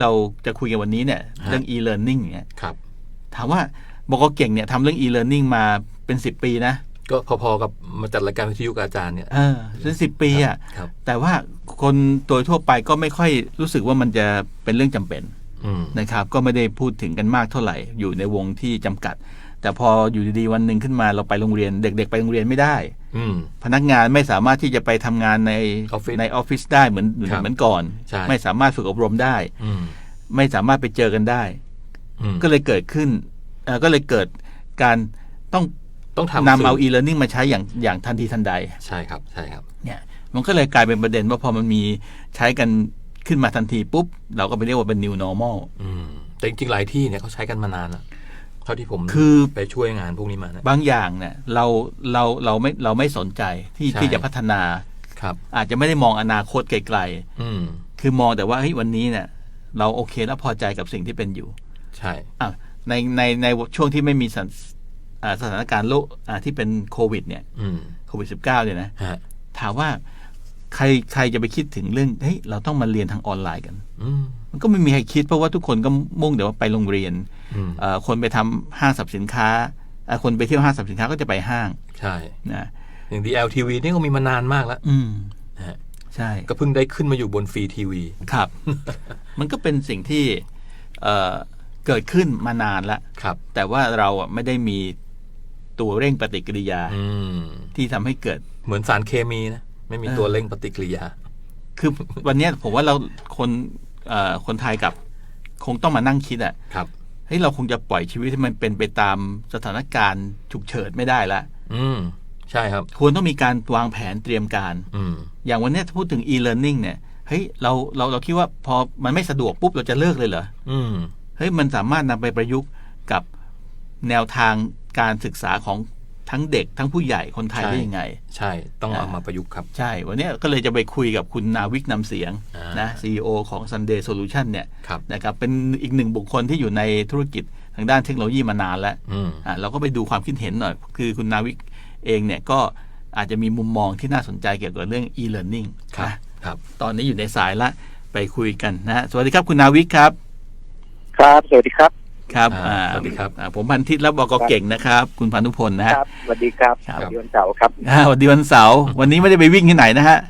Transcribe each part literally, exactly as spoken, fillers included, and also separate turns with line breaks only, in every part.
เราจะคุยกันวันนี้เนี่ยเรื่อง e-learning เนี่ย
ครับ
ถามว่าบก.เก่งเนี่ยทำเรื่อง e-learning มาเป็นสิบปีนะ
ก็พอๆกับมาจัดรายการวิทยุกับอาจารย์เนี่ย
เออเป็นสิบปีอ่ะแต่ว่าคนโดยทั่วไปก็ไม่ค่อยรู้สึกว่ามันจะเป็นเรื่องจำเป็นนะครับก็ไม่ได้พูดถึงกันมากเท่าไหร่อยู่ในวงที่จำกัดแต่พออยู่ดีๆวันหนึ่งขึ้นมาเราไปโรงเรียนเด็กๆไปโรงเรียนไม่ได้พนักงานไม่สามารถที่จะไปทำงานในในออฟฟิศได้เหมือนเหมือนก่อนไม่สามารถฝึกอบรมได้ไม่สามารถไปเจอกันได้ก็เลยเกิดขึ้นก็เลยเกิดการต้อง
ต้อง
นำเอา e-learning มาใช้อย่างอย่างทันทีทันใด
ใช่ครับใช่ครับ
เนี่ยมันก็เลยกลายเป็นประเด็นว่าพอมันมีใช้กันขึ้นมาทันทีปุ๊บเราก็ไปเรียกว่าเป็น new normal
อืมแต่จริงๆหลายที่เนี่ยเขาใช้กันมานานแล้วเท่าที่ผม
คือ
ไปช่วยงานพวกนี้มานะ
บางอย่างเนี่ยเราเราเราไม่เราไม่สนใจที่ที่จะพัฒนา
ครับ
อาจจะไม่ได้มองอนาคตไกลๆคือมองแต่ว่าเฮ้ยวันนี้เนี่ยเราโอเคแล้วพอใจกับสิ่งที่เป็นอยู่
ใช่
อ่ะในในในช่วงที่ไม่มีสถานการณ์โรคที่เป็นโควิดเนี่ยโควิดสิบเก้าเนี่ยนะถามว่าใครใครจะไปคิดถึงเรื่องเฮ้ยเราต้องมาเรียนทางออนไลน์กันมันก็ไม่มีใครคิดเพราะว่าทุกคนก็มุ่งแต่ว่าไปโรงเรียนคนไปทำห้างสรรพสินค้าคนไปเที่ยวห้างสรรพสินค้าก็จะไปห้าง
ใช่
นะ
อย่าง ดี แอล ที วี นี่ก็มีมานานมากแล้ว
ใช่
ก็เพิ่งได้ขึ้นมาอยู่บนฟรีทีวี
ครับ มันก็เป็นสิ่งที่เกิดขึ้นมานานแล้วแต่ว่าเราไม่ได้มีตัวเร่งปฏิกิริยาที่ทำให้เกิด
เหมือนสารเคมีนะไม่มีตัวเร่งปฏิกิริยา
คือวันนี้ผมว่าเราคนคนไทยกับคงต้องมานั่งคิดอ่ะเฮ้ยเราคงจะปล่อยชีวิตให้มันเป็นไปตามสถานการณ์ฉุกเฉินไม่ได้ละ
อืมใช่ครับ
ควรต้องมีการวางแผนเตรียมการอย่างวันนี้ถ้าพูดถึง e-learning เนี่ยเฮ้ยเราเราเราคิดว่าพอมันไม่สะดวกปุ๊บเราจะเลิกเลยเหรอเฮ้ยมันสามารถนำไปประยุกต์กับแนวทางการศึกษาของทั้งเด็กทั้งผู้ใหญ่คนไทยได้ยังไง
ใช่ต้องเอามาประยุกต์ครับ
ใช่วันนี้ก็เลยจะไปคุยกับคุณนาวิกนำเสียงนะ ซี อี โอ ของ Sunday Solution เนี่ยนะครับเป็นอีกหนึ่งบุคคลที่อยู่ในธุรกิจทางด้านเทคโนโลยีมานานแล้วอ่าเราก็ไปดูความคิดเห็นหน่อยคือคุณนาวิกเองเนี่ยก็อาจจะมีมุมมองที่น่าสนใจเกี่ยวกับเรื่อง e-learning
นะครับ
ตอนนี้อยู่ในสายละไปคุยกันนะสวัสดีครับคุณนาวิกครับ
ครับสวัสดีครับ
ครับสวัสดีครับผมพันทิตและบก.เก่งนะครับคุณพานุพลนะครับ
สวัสดีครับวันวันเสาร์ครับ
สวัสดีวันเสาร์วันนี้ไม่ได้ไปวิ่งที่ไหนนะฮะ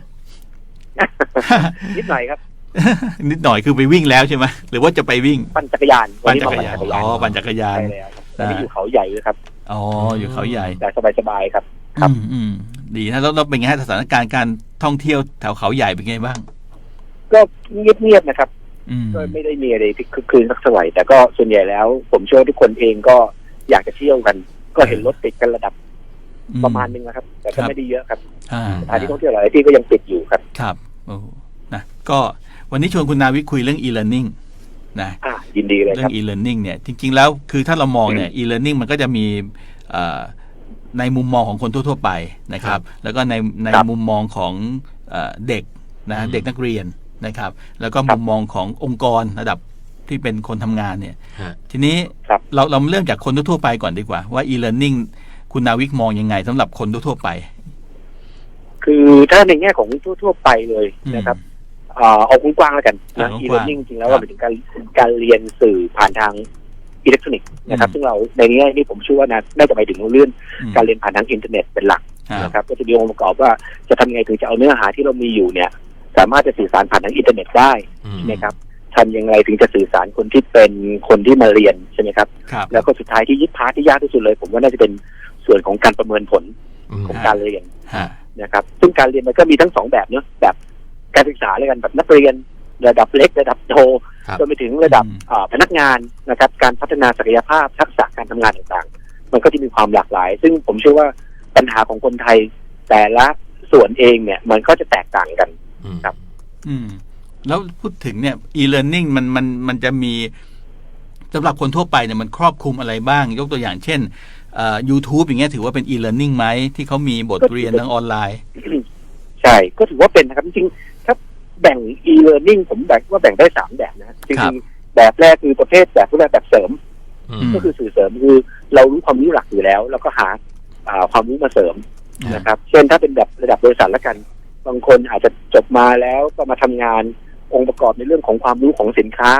นิดหน่อยครับ
นิดหน่อยคือไปวิ่งแล้วใช่ไหมหรือว่าจะไปวิ่ง
ปั่นจักรยาน
ปั่นจักรยานอ๋อปั่นจักรยาน
ใช่แล้วครับตอนนี้อยู่เขาใหญ่เลยครับ
อ๋ออยู่เขาใหญ่
แต่สบายๆครับ
ครับอืมดีนะแล้วเราเป็นไงฮะสถานการณ์การท่องเที่ยวแถวเขาใหญ่เป็นไงบ้าง
ก็เงียบๆนะครับก็ไม่ได้มีอะไรที่คึกคืนสักเท่าไหร่แต่ก็ส่วนใหญ่แล้วผมเชื่อว่าทุกคนเองก็อยากจะเที่ยวกันก็เห็นรถติดกันระดับประมาณนึงนะครับแต่ก็ไม่ได้เยอะครับสถานที่ท่องเที่ยวหลายที่ก็ยังปิดอยู่ครับ
ครับโอ้นะก็วันนี้ชวนคุณนาวิคุยเรื่อง e-learning นะ
ยินดีเลยครับ
เรื่อง e-learning เนี่ยจริงๆแล้วคือถ้าเรามองเนี่ย e-learning มันก็จะมีในมุมมองของคนทั่วๆไปนะครับแล้วก็ในในมุมมองของเด็กนะเด็กนักเรียนนะครับแล้วก็มุมมองขององค์กรระดับที่เป็นคนทำงานเนี่ยทีนี้เราเราเริ่มจากคนทั่วไปก่อนดีกว่าว่า e-learning คุณนาวิกมองยังไงสำหรับคนทั่วไป
คือถ้าในแง่ของทั่วๆไปเลยนะครับเอากว้างๆแล้วกันนะ e-learning จริงแล้วก็เป็นถึงการการเรียนสื่อผ่านทางอิเล็กทรอนิกส์นะครับซึ่งเราในนี้นี่ผมเชื่อว่าน่าจะไปถึงเรื่องการเรียนผ่านทางอินเทอร์เน็ตเป็นหลักนะครับก็จะมีองค์ประกอบว่าจะทำยังไงถึงจะเอาเนื้อหาที่เรามีอยู่เนี่ยสามารถจะสื่อสารผ่านทางอินเทอร์เน็ตได้ใช่ไหมครับทำยังไงถึงจะสื่อสารคนที่เป็นคนที่มาเรียนใช่ไหมครับแล้วก็สุดท้ายที่ยึดพาร์ทที่ยากที่สุดเลยผมว่าน่าจะเป็นส่วนของการประเมินผลของการเรียนนะครับซึ่งการเรียนมันก็มีทั้งสองแบบเนาะแบบการศึกษาเลยกันแบบนักเรียนระดับเล็กระดับโตจนไปถึงระดับพนักงานนะครับการพัฒนาศักยภาพทักษะการทำงานต่างๆมันก็จะมีความหลากหลายซึ่งผมเชื่อว่าปัญหาของคนไทยแต่ละส่วนเองเนี่ยมันก็จะแตกต่างกันครับ
อืมแล้วพูดถึงเนี่ย e-learning มันมันมันจะมีสำหรับคนทั่วไปเนี่ยมันครอบคลุมอะไรบ้างยกตัวอย่างเช่นเอ่อ YouTube อย่างเงี้ยถือว่าเป็น e-learning ไหมที่เขามีบทเรียนทางออนไลน์
ใช่ก็ถือว่าเป็นนะครับจริงๆถ้าแบ่ง e-learning ผมแบ่งว่าแบ่งได้สามแบบนะจริงๆแบบแรกคือประเภทแบบพวกแบบเสริมก็คือสื่อเสริมคือเรารู้ความรู้หลักอยู่แล้วแล้วก็หาความรู้มาเสริมนะครับเช่นถ้าเป็นแบบระดับบริษัทละกันบางคนอาจจะจบมาแล้วก็มาทำงานองค์ประกอบในเรื่องของความรู้ของสินค้า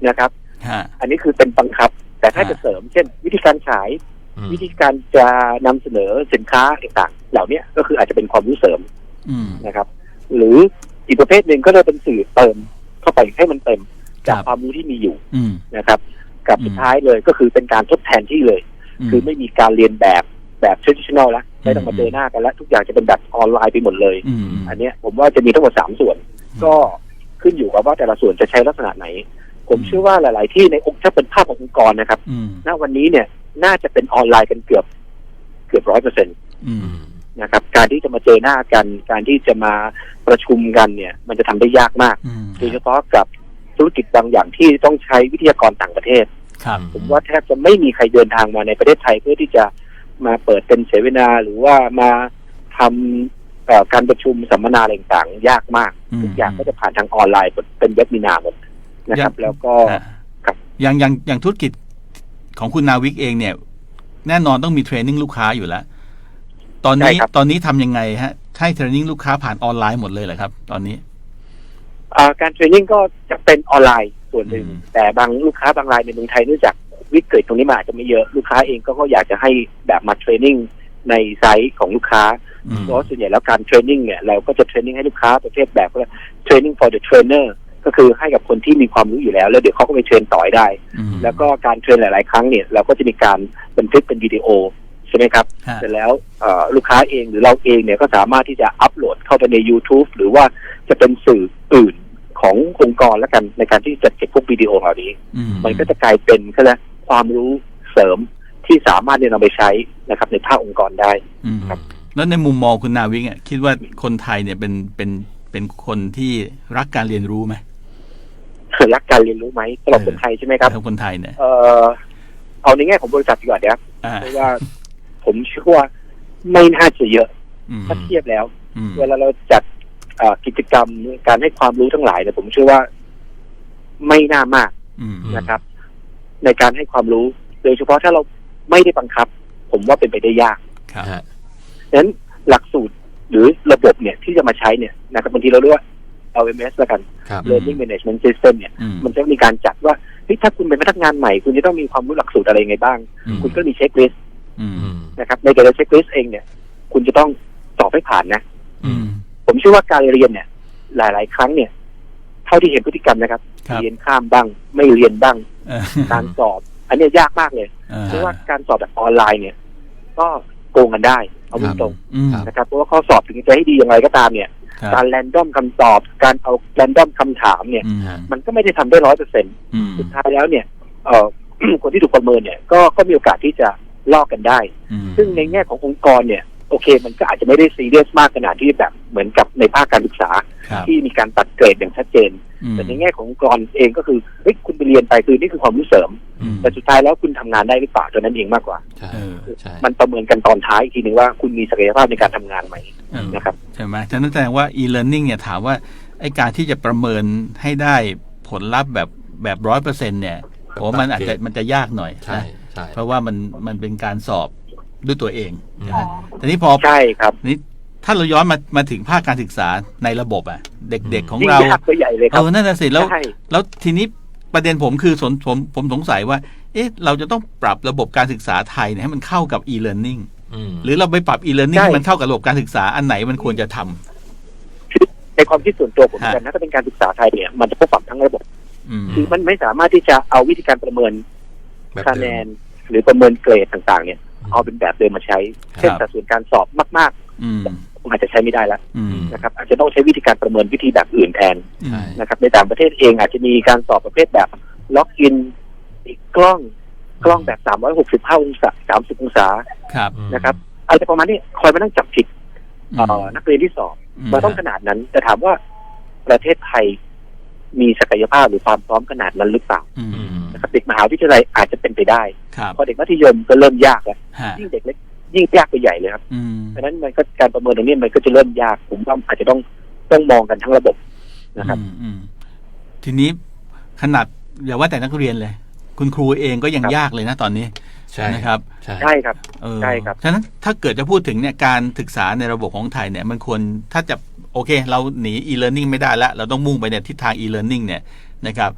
นะครับอันนี้คือเป็นบังคับแต่ถ้าจะเสริมเช่นวิธีการขายวิธีการจะนำเสนอสินค้าต่างๆเหล่านี้ก็คืออาจจะเป็นความรู้เสริมนะครับหรืออีกประเภทหนึ่งก็จะเป็นสื่อเติมเข้าไปให้มันเต็มจากความรู้ที่มีอยู่นะครับกับสุดท้ายเลยก็คือเป็นการทดแทนที่เลยคือไม่มีการเรียนแบบแบบ traditional แล้วไม่ต้องมาเจอหน้ากันแล้วทุกอย่างจะเป็นแบบออนไลน์ไปหมดเลยอันนี้ผมว่าจะมีทั้งหมดสามส่วนก็ขึ้นอยู่กับว่าแต่ละส่วนจะใช้ลักษณะไหนผมเชื่อว่าหลายๆที่ในองค์ถ้าเป็นภาพขององค์กรนะครับณวันนี้เนี่ยน่าจะเป็นออนไลน์กันเกือบเกือบร้อยเปอร์เซ็นต์นะครับการที่จะมาเจอหน้ากันการที่จะมาประชุมกันเนี่ยมันจะทำได้ยากมากโดยเฉพาะกับธุรกิจบางอย่างที่ต้องใช้วิทยากรต่างประเทศผมว่าแทบจะไม่มีใครเดินทางมาในประเทศไทยเพื่อที่จะมาเปิดเป็นเสวนาหรือว่ามาทำการประชุมสัมมนาอะไรต่างๆยากมากทุกอย่างก็จะผ่านทางออนไลน์เป็นเว็บมินาหมดนะครับแล้วก็
อย่างอย่างอย่างธุรกิจของคุณนาวิกเองเนี่ยแน่นอนต้องมีเทรนนิ่งลูกค้าอยู่แล้วตอนนี้ตอนนี้ทำยังไงฮะให้เทรนนิ่งลูกค้าผ่านออนไลน์หมดเลยเหรอครับตอนนี้
การเทรนนิ่งก็จะเป็นออนไลน์ส่วนหนึ่งแต่บางลูกค้าบางรายในเมืองไทยเนื่องจากวิกฤตตรงนี้มาอาจจะไม่เยอะลูกค้าเองก็ก็อยากจะให้แบบมาเทรนนิ่งในไซต์ของลูกค้าเพราะส่วนใหญ่แล้วการเทรนนิ่งเนี่ยเราก็จะเทรนนิ่งให้ลูกค้าประเภทแบบว่าเทรนนิ่ง for the trainer ก็คือให้กับคนที่มีความรู้อยู่แล้วแล้วเดี๋ยวเขาก็ไปเทรนต่อได้แล้วก็การเทรนหลายๆครั้งเนี่ยเราก็จะมีการบันทึกเป็นวิดีโอใช่ไหมครับเสร็จแล้วลูกค้าเองหรือเราเองเนี่ยก็สามารถที่จะอัปโหลดเข้าไปใน YouTube หรือว่าจะเป็นสื่ออื่นขององค์กรแล้วกันในการที่จะเก็บพวกวิดีโอเหล่านี้มันก็จะกลายเป็นก็แล้วความรู้เสริมที่สามารถเนี่ยนำไปใช้นะครับในภาคองค์กรได้ครับ
แล้วในมุมมองคุณนาวิกอ่ะคิดว่าคนไทยเนี่ยเป็นเป็นเป็นคนที่รักการเรียนรู้ไหม
รักการเรียนรู้ไหมสำหรับคนไทยใช่ไหมครับ
คนไทยเนี่ย
เออเอาในแง่ของบริษัทดีกว่าครับเพราะว่าผมเชื่อว่าไม่น่าจะเยอะถ้าเทียบแล้วเวลาเราจัดกิจกรรมการให้ความรู้ทั้งหลายเนี่ยผมเชื่อว่าไม่น่ามากนะครับในการให้ความรู้โดยเฉพาะถ้าเราไม่ได้บังคับผมว่าเป็นไปได้ยากดังนั้นหลักสูตรหรือระบบเนี่ยที่จะมาใช้เนี่ยนะครับบางทีเราเรียกว่า แอล เอ็ม เอส แล้วกัน Learning Management System เนี่ยมันจะมีการจัดว่าถ้าคุณเป็นพนักงานใหม่คุณจะต้องมีความรู้หลักสูตรอะไรไงบ้างคุณก็มีเช็คลิสต์นะครับในแต่ละเช็คลิสต์เองเนี่ยคุณจะต้องสอบให้ผ่านนะผมเชื่อว่าการเรียนเนี่ยหลายๆครั้งเนี่ยเท่าที่เห็นพฤติกรรมนะครับเรียนข้ามบ้างไม่เรียนบ้างการสอบอันนี้ยากมากเลยเพราะว่าการสอบแบบออนไลน์เนี่ยก็โกงกันได้เอาตรงๆนะครับเพราะว่าข้อสอบถึงจะให้ดีอย่างไรก็ตามเนี่ยการแรนดอมคำตอบการเอาแรนดอมคำถามเนี่ยมันก็ไม่ได้ทำได้ร้อยเปอร์เซ็นต์สุดท้ายแล้วเนี่ยเอ่อ คนที่ถูกประเมินเนี่ยก็ก็มีโอกาสที่จะลอกกันได้ซึ่งในแง่ขององค์กรเนี่ยโอเคมันก็อาจจะไม่ได้ซีเรียสมากขนาดที่แบบเหมือนกับในภาคการศึกษาที่มีการตัดเกรดอย่างชัดเจนแต่ในแง่ขององค์กรเองก็คือเฮ้ยคุณไปเรียนไปคือนี่คือความรู้เสริมแต่สุดท้ายแล้วคุณทำงานได้หรือเปล่าตัวนั้นเองมากกว่ามันประเมินกันตอนท้ายอีกทีนึงว่าคุณมีศักยภาพในการทำงานไหมนะครับ
ใช่ไหมฉะนั้นแสดงว่า e-learning เนี่ยถามว่าไอ้การที่จะประเมินให้ได้ผลลัพธ์แบบแบบร้อยเปอร์เซ็นต์เนี่ยผมมันอาจจะมันจะยากหน่อยนะเพราะว่ามันมันเป็นการสอบด้วยตัวเองนะแต่นี้พอ
ใช่ครับ
นี่ถ้าเราย้อนมามาถึงภาคการศึกษาในระบบอ่ะเด็กๆของเรา
เอ
อนั่นน่ะสิแล้วแล้วทีนี้ประเด็นผมคือสนผมผมสงสัยว่าเอ๊ะเราจะต้องปรับระบบการศึกษาไทยเนี่ยให้มันเข้ากับ e-learning หรือเราไปปรับ e-learning ให้มันเข้ากับระบบการศึกษาอันไหนมันควรจะท
ำในความคิดส่วนตัวผมกันนะถ้าเป็นการศึกษาไทยเนี่ยมันจะต้องปรับทั้งระบบคือมันไม่สามารถที่จะเอาวิธีการประเมินคะแนนหรือประเมินเกรดต่างๆเนี่ยเอาเป็นแบบเดิมมาใช้เช่นสัดส่วนการสอบมากๆผมอาจจะใช้ไม่ได้แล้วนะครับอาจจะต้องใช้วิธีการประเมินวิธีแบบอื่นแทนนะครับในต่างประเทศเองอาจจะมีการสอบประเภทแบบล็อกอินอีกกล้องกล้องแบบสามร้อยหกสิบห้าองศาสามสิบองศานะครับอะไรประมาณนี้คอยมานั่งจับผิดนักเรียนที่สอบมาต้องขนาดนั้นแต่ถามว่าประเทศไทยมีศักยภาพหรือความพร้อมขนาดนั้นหรือเปล่านะครับเด็กมหาวิทยาลัยอาจจะเป็นไปได้พอเด็กมัธยมก็เริ่มยากแล้วยิ่งเด็กเล็กยิ่งยากไปใหญ่เลยครับเพราะฉะนั้นมันก็การประเมินตรงนี้มันก็จะเริ่มยากผมว่าอาจจะต้องต้องมองกันทั้งระบบนะครับ
ทีนี้ขนาดอย่าว่าแต่นักเรียนเลยคุณครูเองก็ยังยากเลยนะตอนนี้ใช่นะครับ
ใช่ครับใช่ครับ
ฉะนั้นถ้าเกิดจะพูดถึงเนี่ยการศึกษาในระบบของไทยเนี่ยมันควรถ้าจะโอเคเราหนี e-learning ไม่ได้แล้วเราต้องมุ่งไปในทิศทาง e-learning เนี่ยนะครับ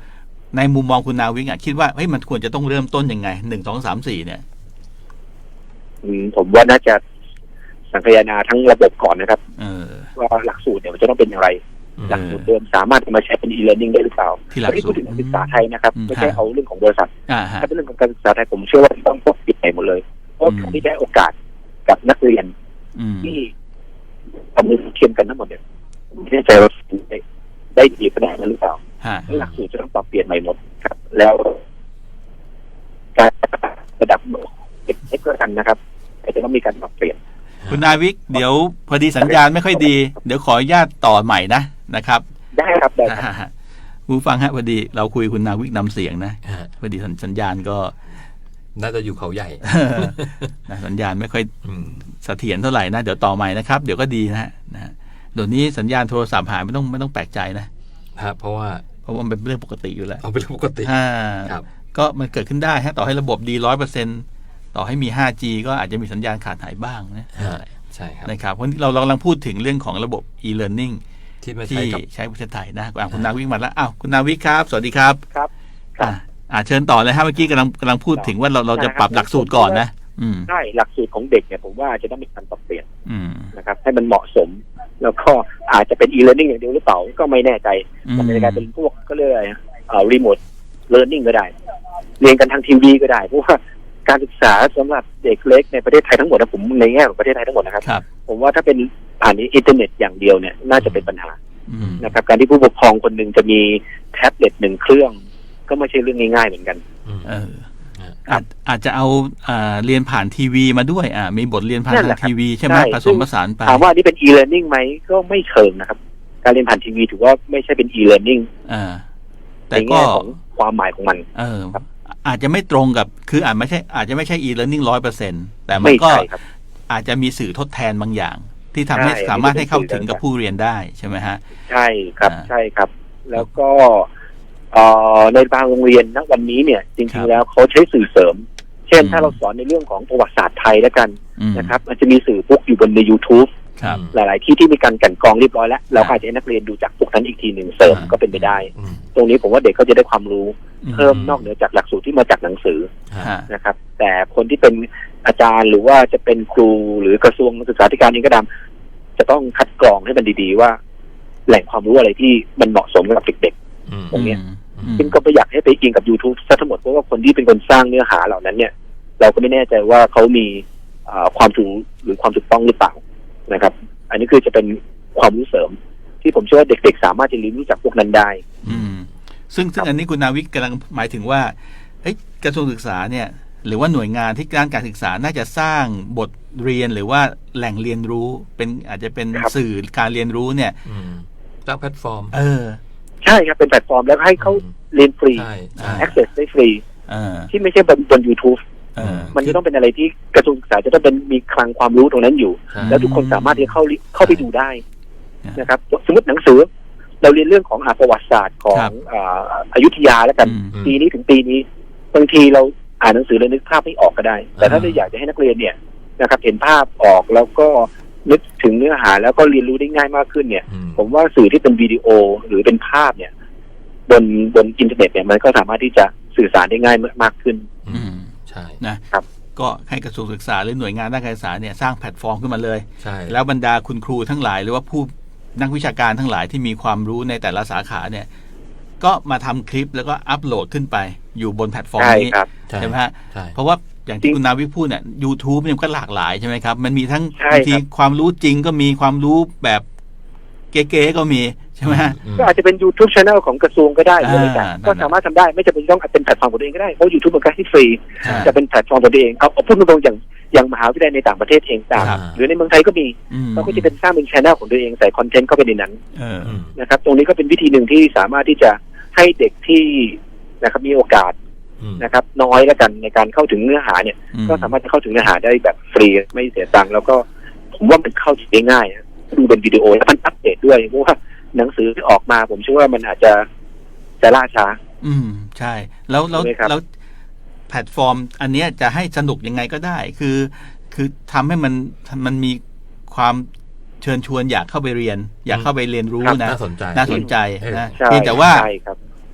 ในมุมมองคุณนาวิกอ่ะคิดว่าเฮ้ยมันควรจะต้องเริ่มต้นยังไงหนึ่งสองสามสี่เนี่ย
อืมผมว่าน่าจะสังคายนาทั้งระบบก่อนนะครับ
เออ
ว่าหลักสูตรเนี่ยมันจะต้องเป็นอย่างไรหลักสูตรเดิมสามารถมาใช้เป็น e-learning ได้หรือเปล่า
ที่หลักสูตร
พูดถึงการศึกษาไทยนะครับไม่ใช่เอาเรื่องของบริษัท
ถ้
าเป็นเรื่องของการศึกษาไทยผมเชื่อว่าต้องต้องปิดหมดเลยเพราะการที่ได้โอกาสกับนักเรียนที่ทำมือเทียมกันทั้งหมดเนี่ยไม่แน่ใจว่าได้ได้ดีขนาดนั้นหรือเปล่าหลักสูตรจะต้องปรับเปลี่ยนใหม่หมดครับแล้วการระดับเด็กๆก็กันนะครับจะต้องมีการปรับเปลี่ยน
คุณนาวิกเดี๋ยวพอดีสัญญาณไม่ค่อยดีเดี๋ยวขออนุญาตต่อใหม่นะนะครับ
ได้ครับได้
ผู้ฟังฮะพอดีเราคุยคุณนาวิกนำเสียงนะพอดีสัญญาณก็
น่าจะอยู่เขาใหญ่
สัญญาณไม่ค่อยเสถียรเท่าไหร่นะเดี๋ยวต่อใหม่นะครับเดี๋ยวก็ดีนะนะเดี๋ยวนี้สัญญาณโทรศัพท์หายไม่ต้องไม่ต้องแปลกใจนะครับ
เพราะว่า
เพราะว่ามันเป็นเรื่องปกติอยู่แล้ว
เอาเป็นเรื่องปกติ
ครับก็มันเกิดขึ้นได้ฮะต่อให้ระบบดีร้อยเปอร์เซ็นต์ต่อให้มี ห้าจี ก็อาจจะมีสัญญาณขาดหายบ้างนะ
ใช่ครับ
นะครับเพราะเราเรากำลังพูดถึงเรื่องของระบบ e-learning
ที่ใ
ช้ใช้ประเทศไทยนะคุณนาวิกมาแล้วอ้าวคุณนาวิกครับสวัสดีครับ
ครับ
อ่าเชิญต่อเลยครับเมื่อกี้กำลังกำลังพูดถึงว่าเราเราจะปรับหลักสูตรก่อนนะ
ใช่หลักสูตรของเด็กเนี่ยผมว่าจะต้องมีการปรับเปลี่ยนนะครับให้มันเหมาะสมแล้วก็อาจจะเป็น e-learning อย่างเดียวหรือเปล่าก็ไม่แน่ใจมันจะกลายเป็นพวกก็เรียกอะไรอ่า remote learning ก็ได้เรียนกันทางทีวีก็ได้เพราะว่าการศึกษาสำหรับเด็กเล็กในประเทศไทยทั้งหมดนะผมในแง่ของประเทศไทยทั้งหมดนะครับผมว่าถ้าเป็นผ่านอินเทอร์เน็ตอย่างเดียวเนี่ยน่าจะเป็นปัญหานะครับการที่ผู้ปกครองคนหนึ่งจะมีแท็บเล็ตหนึ่งเครื่องก็ไม่ใช่เรื่องง่ายๆเหมือนกัน
เอออาจอาจจะเอาอ่าเรียนผ่านทีวีมาด้วยอ่ามีบทเรียนผ่านทางทีวีใช่ไหมผสมผสานไป
ถามว่านี่เป็น e-learning ไหมก็ไม่เชิงนะครับการเรียนผ่านทีวีถือว่าไม่ใช่เป็น e-learning
อ่าแต่ก็
ความหมายของมัน
เอออาจจะไม่ตรงกับคืออาจไม่ใช่อาจจะไม่ใช่ e-learning ร้อยเปอร์เซ็นต์แต่มันก็อาจจะมีสื่อทดแทนบางอย่างที่ทำให้สามารถให้เข้าถึงกับผู้เรียนได้ใช่ไหมฮะ
ใช่ครับใช่ครับแล้วก็ในบางโรงเรียนณวันนี้เนี่ยจริงๆแล้วเขาใช้สื่อเสริมเช่นถ้าเราสอนในเรื่องของประวัติศาสตร์ไทยแล้วกันนะครับมันจะมีสื่อพวกอยู่บนใน YouTube หลายๆที่ที่มีการกลั่นกรองเรียบร้อยแล้วเราอาจจะให้นักเรียนดูจากพวกนั้นอีกทีหนึ่งเสริมก็เป็นไปได้ตรงนี้ผมว่าเด็กเขาจะได้ความรู้เพิ่มนอกเหนือจากหลักสูตรที่มาจากหนังสือนะครับแต่คนที่เป็นอาจารย์หรือว่าจะเป็นครูหรือกระทรวงศึกษาธิการเองก็ตามจะต้องคัดกรองให้มันดีๆว่าแหล่งความรู้อะไรที่มันเหมาะสมกับเด็กๆตรงนี้ซึ่งก็ไม่อยากให้ไปอิงกับ YouTube ซะทั้งหมดเพราะว่าคนที่เป็นคนสร้างเนื้อหาเหล่านั้นเนี่ยเราก็ไม่แน่ใจว่าเขามีความถูกหรือความถูกต้องหรือเปล่านะครับอันนี้คือจะเป็นความรู้เสริมที่ผมเชื่อว่าเด็กๆสามารถจะเรียนรู้จากพวกนั้นได้
อืมซึ่งซึ่งอันนี้คุณนาวิกกำลังหมายถึงว่าเอ้ยกระทรวงศึกษาเนี่ยหรือว่าหน่วยงานที่ด้านการศึกษาน่าจะสร้างบทเรียนหรือว่าแหล่งเรียนรู้เป็นอาจจะเป็นสื่อการเรียนรู้เนี่ย
สร้างแพลตฟอร์ม
เออ
ใช่ครับเป็นแพลตฟอร์มแล้วให้เขาเรียนฟรี access ได้ฟรีที่ไม่ใช่บนบน YouTube มันจะต้องเป็นอะไรที่กระทรวงศึกษาจะต้องเป็นมีคลังความรู้ตรงนั้นอยู่แล้วทุกคนสามารถที่เข้าเข้าไปดูได้นะครับสมมติหนังสือเราเรียนเรื่องของประวัติศาสตร์ของอยุธยาแล้วกันปีนี้ถึงปีนี้บางทีเราอ่านหนังสือแล้วนึกภาพไม่ออกก็ได้แต่ถ้าเราอยากจะให้นักเรียนเนี่ยนะครับเห็นภาพออกแล้วก็นึกถึงเนื้อหาแล้วก็เรียนรู้ได้ง่ายมากขึ้นเนี่ยผมว่าสื่อที่เป็นวิดีโอหรือเป็นภาพเนี่ยบนบนอินเทอร์เน็ตเนี่ยมันก็สามารถที่จะสื่อสารได้ง่ายมากขึ้น
อืมใช่นะครับก็ให้กระทรวงศึกษาหรือหน่วยงานด้านการศึกษาเนี่ยสร้างแพลตฟอร์มขึ้นมาเลยใช่แล้วบรรดาคุณครูทั้งหลายหรือว่าผู้นักวิชาการทั้งหลายที่มีความรู้ในแต่ละสาขาเนี่ยก็มาทำคลิปแล้วก็อัปโหลดขึ้นไปอยู่บนแพลตฟอร์มนี้ใช่ไหมฮะเพราะว่าอย่างที่คุณนาวิพูดเนี่ย YouTube เนี่ยก็หลากหลายใช่ไหมครับมันมีทั้งบางทีความรู้จริงก็มีความรู้แบบเก๋ๆก็มีใช่ไหม
ก็อาจจะเป็น YouTube Channel ของกระทรวงก็ได้เลยกันก็สามารถทำได้ไม่จำเป็นต้องเป็นแพลตฟอร์มของตัวเองก็ได้เพราะ YouTube เป็นการที่ฟรีจะเป็นแพลตฟอร์มของตัวเองเอาพูดตรงๆอย่างอย่างมหาวิทยาลัยในต่างประเทศเองต่างหรือในเมืองไทยก็มีเขาก็จะเป็นสร้างเป็น Channel ของตัวเองใส่คอนเทนต์เข้าไปในนั้นนะครับตรงนี้ก็เป็นวิธีหนึ่งที่สามารถที่จะให้เด็กที่นะครับมีโอกาสนะครับน้อยแล้วกันในการเข้าถึงเนื้อหาเนี่ยก็สามารถจะเข้าถึงเนื้อหาได้แบบฟรีไม่เสียตังค์แล้วก็ผมว่ามันเข้าถึงได้ง่ายดูเป็นวิดีโอแล้วมันอัปเดตด้วยเพราะว่าหนังสือที่ออกมาผมเชื่อว่ามันอาจจะจะล่าช้า
อืมใช่แล้วแล้วแล้วแพลตฟอร์มอันนี้จะให้สนุกยังไงก็ได้คือคือทำให้มันมันมีความเชิญชวนอยากเข้าไปเรียนอยากเข้าไปเรียนรู้นะ
น่าสนใจ
น่าสนใจนะเพียงแต่ว่า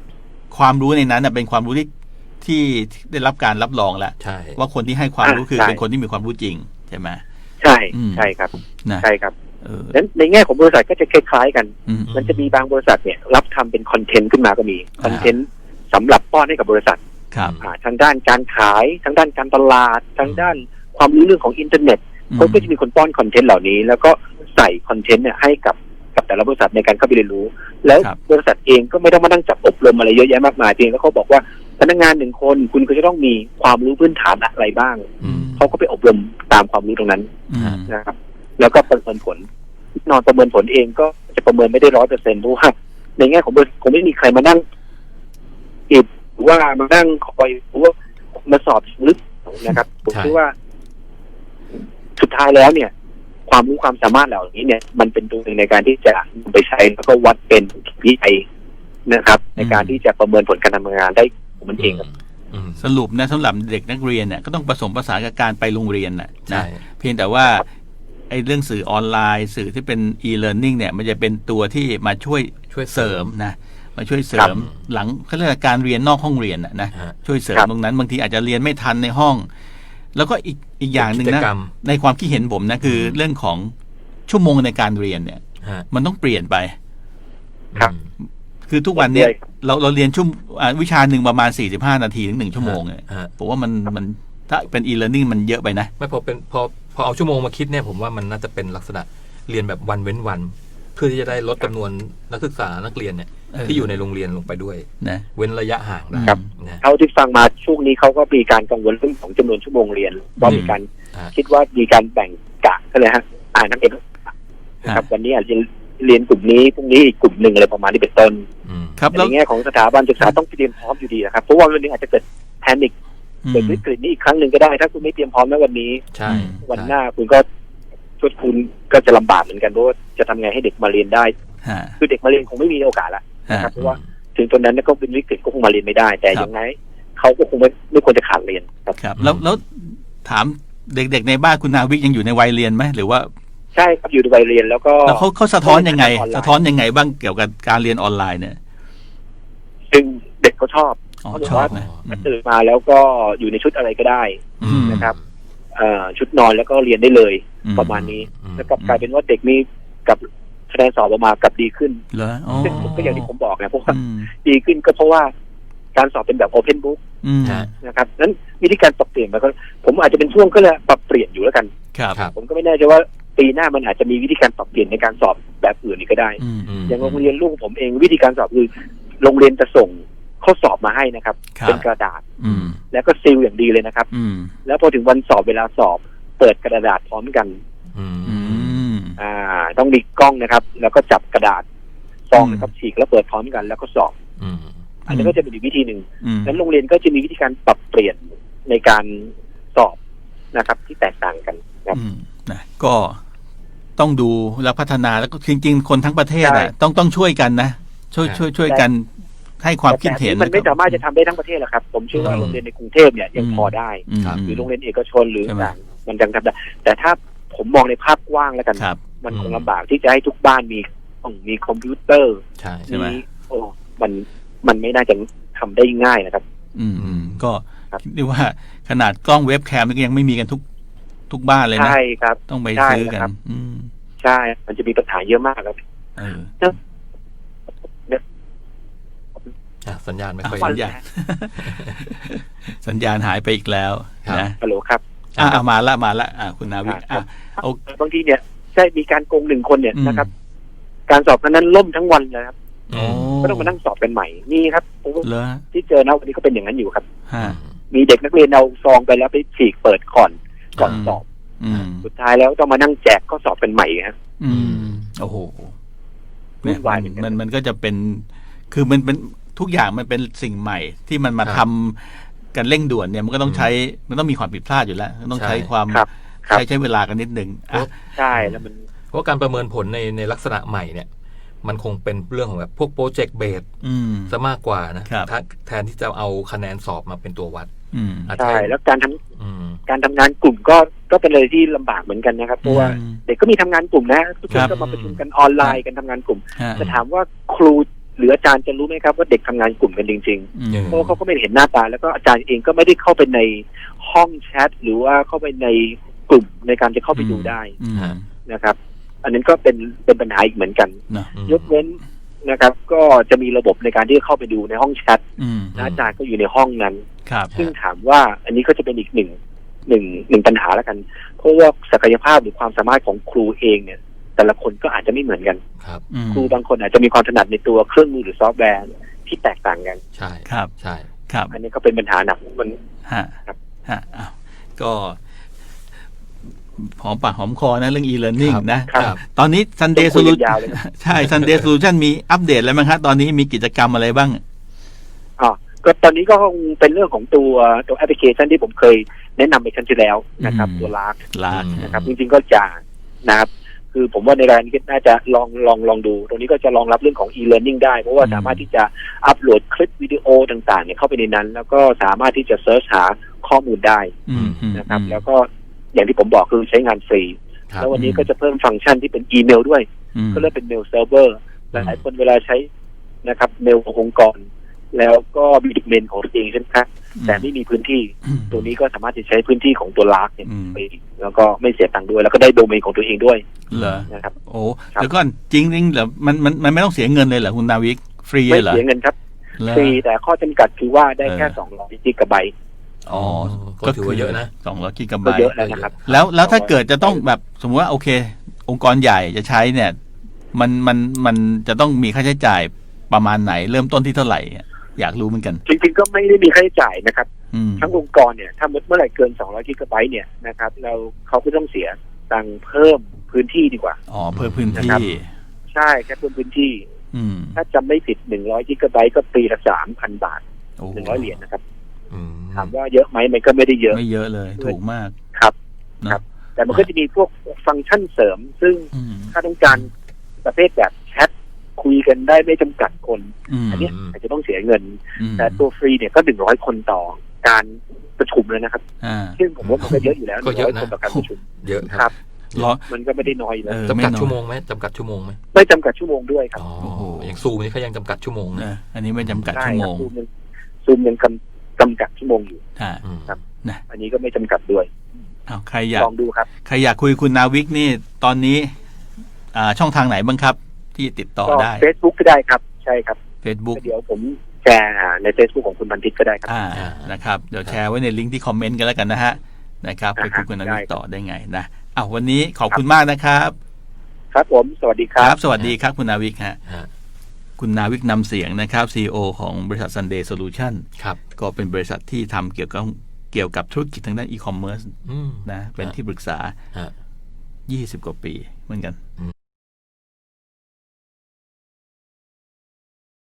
ความรู้ในนั้นเป็นความรู้ที่ที่ได้รับการรับรองแล้วว่าคนที่ให้ความรู้คือเป็นคนที่มีความรู้จริงใช่ไหม
ใช่ใช่ครับใช่ครับนั้นในแง่ของบริษัทก็จะคล้ายๆกันมันจะมีบางบริษัทเนี่ยรับทำเป็นคอนเทนต์ขึ้นมาก็มีคอนเทนต์สำหรับป้อนให้กับบริษัททางด้านการขายทางด้านการตลาดทางด้านความรู้เรื่องของอินเทอร์เน็ตเขาก็จะมีคนป้อนคอนเทนต์เหล่านี้แล้วก็ใส่คอนเทนต์เนี่ยให้กับกับแต่ละบริษัทในการเข้าไปเรียนรู้แล้วบริษัทเองก็ไม่ต้องมานั่งจับอบรมอะไรเยอะแยะมากมายเพียงแล้วเขาบอกว่าพนักงานหนึ่งคนคุณก็จะต้องมีความรู้พื้นฐานอะไรบ้างเขาก็ไปอบรมตามความรู้ตรงนั้นนะครับแล้วก็ประเมินผลนอนประเมินผลเองก็จะประเมินไม่ได้ร้อยเปอร์เซ็นต์เพราะว่าในแง่ของบริษัทคงไม่มีใครมานั่งอิบหรือว่ามานั่งคอยหรือว่ามาสอบลึกนะครับผมคิดว่าสุดท้ายแล้วเนี่ยความรู้ความสามารถเหล่านี้เนี่ยมันเป็นตัวหนึ่งในการที่จะไปใช้แล้วก็วัดเป็นวิจัยนะครับในการที่จะประเมินผลการทำงานได้ของมันเองครับ
สรุปนะสำหรับเด็กนักเรียนเนี่ยก็ต้องผสมผสานกับการไปโรงเรียนแหละนะเพียงแต่ว่าไอ้เรื่องสื่อออนไลน์สื่อที่เป็น e-learning เนี่ยมันจะเป็นตัวที่มาช่วยช่วยเสริมนะมาช่วยเสริมหลังเขาเรียกการเรียนนอกห้องเรียนนะช่วยเสริมตรงนั้นบางทีอาจจะเรียนไม่ทันในห้องแล้วก็อีกอีกอย่างหนึ่งนะในความคิดเห็นผมนะคือเรื่องของชั่วโมงในการเรียนเนี่ยมันต้องเปลี่ยนไป
ครับ
คือทุกวันเนี้ยเราเราเรียนชั่ววิชาหนึ่งประมาณสี่สิบห้านาทีถึงหนึ่งชั่วโมงเนี่ยผมว่ามันมันถ้าเป็น e-learning มันเยอะไปนะ
ไม่พอเป็นพอพอเอาชั่วโมงมาคิดเนี่ยผมว่ามันน่าจะเป็นลักษณะเรียนแบบวันเว้นวันเพื่อที่จะได้ลดจำนวนนักศึกษานักเรียนเนี่ยที่อยู่ในโรงเรียนลงไปด้วยนะเว้นระยะห่าง
นะครับเท่าที่ฟังมาช่วงนี้เขาก็มีการกังวลเรื่องของจำนวนชั่วโมงเรียนว่ามีการคิดว่ามีการแบ่งกะก็เลยฮะอ่านนักเรียนนะครับวันนี้อาจจะเรียนกลุ่มนี้พรุ่งนี้อีกกลุ่มหนึ่งอะไรประมาณนี้เป็นต้น
ครับ
ในแง่ของสถาบันศึกษาต้องเตรียมพร้อมอยู่ดีนะครับเพราะว่าวันนี้อาจจะเกิดแพนิคเกิดวิกฤตนี้อีกครั้งหนึ่งก็ได้ถ้าคุณไม่เตรียมพร้อมในวันนี้วันหน้าคุณก็ชุดคุณก็จะลำบากเหมือนกันเพราะว่าจะทำไงให้เด็กมาเรียนได้คือเด็กมาเรียนคงไม่มีโอกาสละนะครับเพราะว่าถึงตอนนั้นก็เป็นวิกฤตก็คงมาเรียนไม่ได้แต่ยังไงเขาก็คงไม่ไม่ควรจะขาดเรียนครับ
ครับแล้วแล้วถามเด็กๆในบ้านคุณนาวิกยังอยู่ในวัยเรียนไหมหรือว่า
ใช่ครับอยู่ในวัยเรียนแล้วก็
แล้วเขาเขาสะท้อนยังไงสะท้อนยังไงบ้างเกี่ยวกับการเรียนออนไลน์เนี่ย
ซึ่งเด็กก็ชอบเขาบอกว่าตื่นมาแล้วก็อยู่ในชุดอะไรก็ได้นะครับชุดนอนแล้วก็เรียนได้เลยประมาณนี้แล้วก็กลายเป็นว่าเด็กมีกับคะแนนสอบออกมากับดีขึ้นซึ่งก็อย่างที่ผมบอกนะเพราะว่าดีขึ้นก็เพราะว่าการสอบเป็นแบบโอเพนบุ๊กนะครับนั้นวิธีการปรับเปลี่ยนมันก็ผมอาจจะเป็นช่วงก็เลยปรับเปลี่ยนอยู่แล้วกันผมก็ไม่แน่ใจว่าปีหน้ามันอาจจะมีวิธีการปรับเปลี่ยนในการสอบแบบอื่นอีกก็ได้อย่างโรงเรียนลูกผมเองวิธีการสอบคือโรงเรียนจะส่งข้อสอบมาให้นะครับเป็นกระดาษแล้วก็ซีลอย่างดีเลยนะครับแล้วพอถึงวันสอบเวลาสอบเปิดกระดาษพร้อมกันอ่าต้องมีกล้องนะครับแล้วก็จับกระดาษซองนะครับฉีกแล้วเปิดพร้อมกันแล้วก็สอบอันนี้ก็จะเป็นอีกวิธีหนึ่งนั้นโรงเรียนก็จะมีวิธีการปรับเปลี่ยนในการสอบนะครับที่แตกต่างกันครับ
นะก็ต้องดูแล้วพัฒนาแล้วก็จริงๆคนทั้งประเทศอ่ะต้องต้องช่วยกันนะช่วยช่วยช่วยกันให้ความคิดเห็น
มันไม่สามารถจะทำได้ทั้งประเทศหรอกครับผมเชื่อว่าโรงเรียนในกรุงเทพเนี่ยยังพอได้หรือโรงเรียนเอกชนหรือต่างมันยังทำได้แต่ถ้าผมมองในภาพกว้างแล้วกันมันคงลำบากที่จะให้ทุกบ้านมีต้องมีคอมพิวเตอร์
ใช่ไหม
โอ้มันมันไม่น่าจะทำได้ง่ายนะครับ
อืมก็เรียกว่าขนาดกล้องเว็บแคมก็ยังไม่มีกันทุกทุกบ้านเลยนะ
ใช่ครับ
ต้องไปซื้อกัน
ใช่มันจะมีปัญหาเยอะมากครับ
สัญญาณไม่ค่อย
สัญญาณสัญญาณหายไปอีกแล้วนะ
ฮัลโหลครับ
อ่ามาละมาละอ่าคุณนาวิกอ่า
บางทีเนี่ยใช่มีการโกงหนึ่งคนเนี่ยนะครับการสอบนั้นล่มทั้งวันเลยครับก็ต้องมานั่งสอบกันใหม่นี่ครับที่เจอนะวันนี้ก็เป็นอย่างนั้นอยู่ครับมีเด็กนักเรียนเอาซองไปแล้วไปฉีกเปิดก่อนก่อนสอบสุดท้ายแล้วต้องมานั่งแจกข้อสอบกันใหม่ครับ
อืมโอ้โหเนี่ยมันมันก็จะเป็นคือมันเป็นทุกอย่างมันเป็นสิ่งใหม่ที่มันมาทำกันเร่งด่วนเนี่ยมันก็ต้องใช้มันต้องมีความผิดพลาดอยู่แล้วต้องใช้ความใช้ใช้เวลากันนิดนึง
ใช่แล้วมัน
เพราะการประเมินผลในในลักษณะใหม่เนี่ยมันคงเป็นเรื่องของแบบพวกโปรเจกต์เบสซะมากกว่านะแทนที่จะเอาคะแนนสอบมาเป็นตัววัด
ใช่แล้วการทำการทำงานกลุ่มก็ก็เป็นเลยที่ลำบากเหมือนกันนะครับเพราะว่าเด็กก็มีทำงานกลุ่มนะทุกคนก็มาประชุมกันออนไลน์กันทำงานกลุ่มจะถามว่าครูหรืออาจารย์จะรู้ไหมครับว่าเด็กทำงานกลุ่มกันจริง
อืม
ๆเพราะเขาก็ไม่ได้เห็นหน้าตาแล้วก็อาจารย์เองก็ไม่ได้เข้าไปในห้องแชทหรือว่าเข้าไปในกลุ่มในการจะเข้าไปดูได้
อืม
นะครับ อันนั้นก็เป็นเป็นปัญหาอีกเหมือนกัน
เนอะ
ยกเว้นนะครับ ก็จะมีระบบในการที่เข้าไปดูในห้องแชท
อืม
และอาจารย์ก็อยู่ในห้องนั้น
ครับ
ซึ่งถามว่าอันนี้ก็จะเป็นอีกหนึ่งหนึ่งหนึ่งปัญหาแล้วกัน เพราะว่าศักยภาพหรือความสามารถของครูเองเนี่ย แต่ละคนก็อาจจะไม่เหมือนกัน
ครับ
อืม
ครูบางคนอาจจะมีความถนัดในตัวเครื่องมือหรือซอฟต์แวร์ที่แตกต่างกัน
ใช่
ครับ
ใช่
ครับ
อันนี้ก็เป็นปัญหาหนักมัน
ฮะ
ครับ
ฮะอ้าวก็หอมปากหอมคอนะเรื่อง e-learning นะครับ ตอนนี้ Sunday
ต้องคุยกัน
Solution
ยาวเลยนะ
ใช่ Sunday Solution มีอัปเดตแล้วมั้งครับตอนนี้มีกิจกรรมอะไรบ้าง
อ๋อก็ตอนนี้ก็คงเป็นเรื่องของตัวตัวแอปพลิเคชันที่ผมเคยแนะนำไปครั้งที่แล้วนะครับ
อืม
ตัวลาร์ก
ลาด
นะครับจริงๆก็จะนะครับ คือผมว่าในรายนี้น่าจะลองลองลองดู ตรงนี้ก็จะรองรับเรื่องของ e-learning ได้ เพราะว่า
อืม
สามารถที่จะอัปโหลดคลิปวิดีโอต่างๆเนี่ยเข้าไปในนั้น แล้วก็สามารถที่จะเซิร์ชหาข้อมูลได้
อืมอืม
นะครับ แล้วก็อย่างที่ผมบอกคือใช้งานฟรี
ครับ
แล้ววันนี้ก็จะเพิ่มฟังก์ชันที่เป็นอีเมลด้วย
อืม
ก็เรียกเป็นเมลเซิร์ฟเวอร์หลายๆคนเวลาใช้นะครับเมลขององค์กร แล้วก็มีดิเมนของตัวเองใช่ไหมครับแต่ไม่มีพื้นที่
อืม
ตัวนี้ก็สามารถจะใช้พื้นที่ของตัวลาร์กเนี่ย
อืม
ไปแล้วก็ไม่เสียตังค์ด้วย แล้วก็ได้โดเมนของตัวเองด้วย
เหรอ
นะครับ
โอ้
ครับ
แล้วก็จริงจริงๆเหรอมันมันมันไม่ต้องเสียเงินเลยเหรอคุณนาวิกฟรี
ไม่
เหรอ
เสียเงินครับ
เหรอ
ฟรีแต่ข้อจำกัดคือว่าได้แค่
เออ
สองร้อยกิกะไบต์
อ๋อ
ก็ถือว่าเยอะนะ
สองร้อยกิกะไบ
ก็
ต์
เยอะแล้วนะครับ
แล้วแล้วถ้าเกิดจะต้องแบบสมมติว่าโอเค องค์กรใหญ่จะใช้เนี่ย มันมันมันจะต้องมีค่าใช้จ่ายประมาณไหน เริ่มต้นที่เท่าไหร่อะอยากรู้เหมือนกัน
จริงๆก็ไม่ได้มีค่าใช้จ่ายนะครับ
อืม
ทั้งองค์กรเนี่ยถ้าเมื่อไหร่เกินสองร้อยกิกะไบต์เนี่ยนะครับเราเขาก็ต้องเสียตังค์เพิ่มพื้นที่ดีกว่า
อ๋อเพิ่มพื้น
นะ
ที่
ครับ ใช่แค่เพิ่มพื้นที่
อืม
ถ้าจำไม่ผิดหนึ่งร้อยกิกะไบต์ก็ปีละสามพันบาท
โอ้
หนึ่งร้อยเหรียญนะครับ
อืม
ถามว่าเยอะไหมมันก็ไม่ได้เยอะ
ไม่เยอะเลย ถูกมาก
ครับ
เนอะ
ครับ แต่มันก็จะมีพวกฟังก์ชันเสริม ซึ่ง
อืม
ถ้าต้องการประเภทแบบแชทคุยกันได้ไม่จำกัดคน
อืม
อันเนี้ยอาจจะต้องเสียเงิน
อืม
แต่ตัวฟรีเนี่ยก็หนึ่งร้อยคนต่อการประชุมเลยนะครับ
อ่า
ซึ่งผมว่ามันก็เยอะอยู่แล้วห
ก็
นึ่ง
เย
ร้อ
อะ
ย
นะ
คนต่อการประชุม
เยอะ
ค
ค
รั
รับ บ
รอ
มันก็ไม่ได้น้อยอยู่แล้ว
เออ
จำกัด
ไม่น้อย
ชั่วโมงไหมจำกัดชั่วโมงไหม
ไม่จำกัดชั่วโมงด้วยครับ
อ๋อ
โอ้โห
อย่างซูมนี่เขายังจำกัดชั่วโมง
เอ
นะ
ออันนี้ไม่จำกัด
ได้
ชั่ว
ค
โม
รับ
ง
ซูมยังซูมยังกำจำกัดชั่วโมงอยู่
อ่า
อืม
ครับ
นะ
อันนี้ก็ไม่จำกัดด้วย
อ้าวใครอยาก
ลองดูครับ
ใครอยากคุยคุณนาวิกนี่ตอนนี้ อ่าช่องทางไหนบ้างครับ ที่ติดต่อ
ก็
ได้
เฟซบุ๊กก็ได้ครับ ใช่ครับ
Facebook
เดี๋ยวผมแชร์ในเฟซบุ๊กของคุณบันทิตก็ได้ครับ
อ่านะครับ เดี๋ยวแชร์ไว้ในลิงก์ที่คอมเมนต์กันแล้วกันนะฮะนะครับไปคุยคุณนาวิกต่อได้ไงนะอ้าววันนี้ขอบคุณมากนะครับ
ครับผม สวัสดีค
ค
รั
รับ บ สวัสดีครับคุณนาวิกฮะ
ฮะ
คุณนาวิกนำเสียงนะครับ ซี อี โอ ของบริษัท Sunday Solution
ครับ
ก็เป็นบริษัทที่ทำเกี่ยวกับเกี่ยวกับธุรกิจทางด้านอีคอมเมิร์ซ
อืม
นะเป็นที่ปรึกษา
ฮะ
ยี่สิบกว่าปีเหมือนกัน